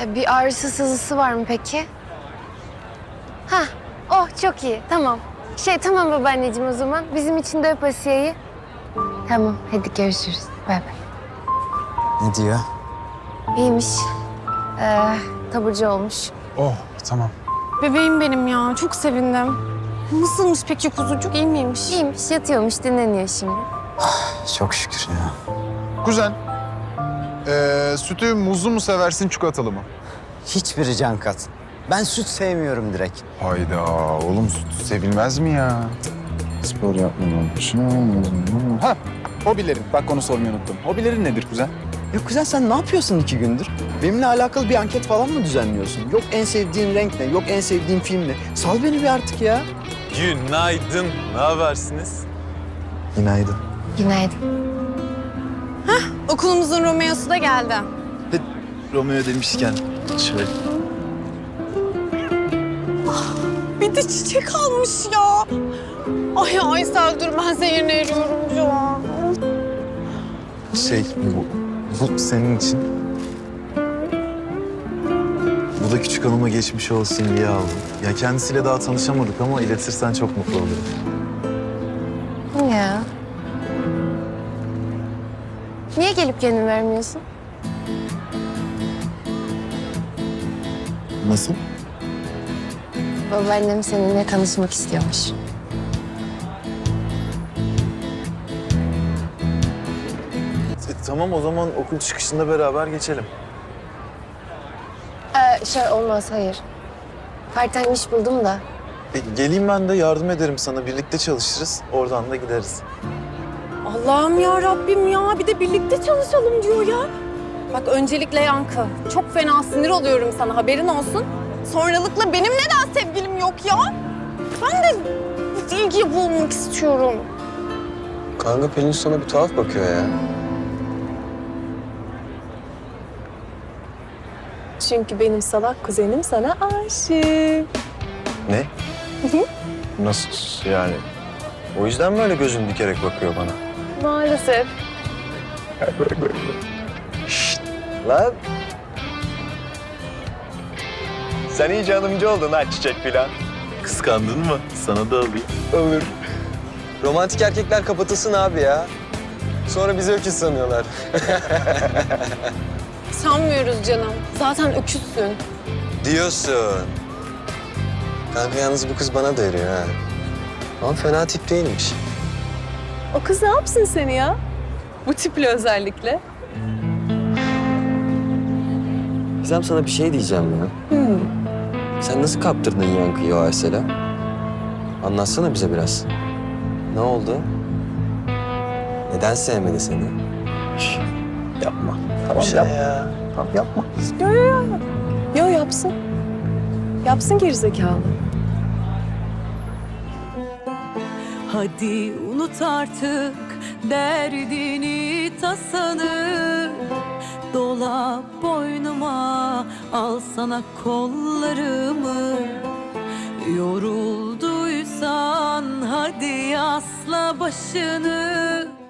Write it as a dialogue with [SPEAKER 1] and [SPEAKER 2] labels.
[SPEAKER 1] Bir ağrısı sızısı var mı peki? Hah, oh çok iyi, tamam. Tamam babaanneciğim o zaman. Bizim için de öp Asiye'yi. Tamam, hadi görüşürüz. Bay bay.
[SPEAKER 2] Ne diyor?
[SPEAKER 1] İyiymiş. Taburcu olmuş.
[SPEAKER 2] Oh, tamam.
[SPEAKER 3] Bebeğim benim ya. Çok sevindim. Nasılmış peki kuzucuk? İyi miymiş?
[SPEAKER 1] İyiymiş, yatıyormuş, dinleniyor şimdi.
[SPEAKER 2] Çok şükür ya.
[SPEAKER 4] Kuzen, sütü muzlu mu seversin, çikolatalı mı?
[SPEAKER 2] Hiçbiri can kat. Ben süt sevmiyorum direkt.
[SPEAKER 4] Hayda, oğlum süt sevilmez mi ya? Spor yapmamış. Ha, hobilerin. Bak onu sormayı unuttum. Hobilerin nedir kuzen?
[SPEAKER 2] Ya kuzen sen ne yapıyorsun 2 gündür? Benimle alakalı bir anket falan mı düzenliyorsun? Yok en sevdiğin renk ne, yok en sevdiğin film ne? Sal beni bir artık ya.
[SPEAKER 5] Günaydın. Ne habersiniz?
[SPEAKER 2] Günaydın.
[SPEAKER 1] Günaydın.
[SPEAKER 3] Okulumuzun Romeo'su da geldi.
[SPEAKER 2] Romeo demişken şöyle.
[SPEAKER 3] Bir de çiçek almış ya. Ay Aysel dur ben seni eriyorum şu an.
[SPEAKER 6] Bu senin için. Bu da küçük hanıma geçmiş olsun diye aldım. Ya kendisiyle daha tanışamadık ama iletirsen çok mutlu olurum.
[SPEAKER 1] Ya. Niye gelip kendin vermiyorsun?
[SPEAKER 6] Nasıl?
[SPEAKER 1] Babaannem seninle tanışmak istiyormuş.
[SPEAKER 6] Tamam o zaman okul çıkışında beraber geçelim.
[SPEAKER 1] Olmaz, hayır. Part-time iş buldum da.
[SPEAKER 6] Geleyim ben de yardım ederim sana. Birlikte çalışırız. Oradan da gideriz.
[SPEAKER 3] Allah'ım ya Rabbim ya. Bir de birlikte çalışalım diyor ya. Bak öncelikle Yankı. Çok fena sinir oluyorum sana haberin olsun. Sonralıkla benim neden sevgilim yok ya? Ben de ilgi bulmak istiyorum.
[SPEAKER 7] Kanka Pelin sana bir tuhaf bakıyor ya.
[SPEAKER 3] Çünkü benim salak kuzenim sana aşık.
[SPEAKER 7] Ne? Nasıl yani? O yüzden mi öyle gözünü dikerek bakıyor bana?
[SPEAKER 3] Maalesef.
[SPEAKER 7] Lan! Sen iyice hanımcı oldun ha çiçek filan.
[SPEAKER 6] Kıskandın mı? Sana da alayım.
[SPEAKER 7] Olur. Romantik erkekler kapatılsın abi ya. Sonra bizi öküz sanıyorlar.
[SPEAKER 3] Sanmıyoruz canım. Zaten öküzsün.
[SPEAKER 7] Diyorsun. Kanka yalnız bu kız bana da eriyor ha. Ama fena tip değilmiş.
[SPEAKER 3] O kız ne yapsın seni ya? Bu tiple özellikle.
[SPEAKER 7] Gizem sana bir şey diyeceğim ya. Sen nasıl kaptırdın Yankı'yı o Aysel'e? Anlatsana bize biraz. Ne oldu? Neden sevmedi seni?
[SPEAKER 6] Yapma.
[SPEAKER 7] Tamam
[SPEAKER 6] ya.
[SPEAKER 7] Tamam yapma.
[SPEAKER 3] Yo yapsın. Yapsın gerizekalı.
[SPEAKER 8] Hadi unut artık derdini tasanı. Dola boynuma, al sana kollarımı. Yorulduysan hadi yasla başını.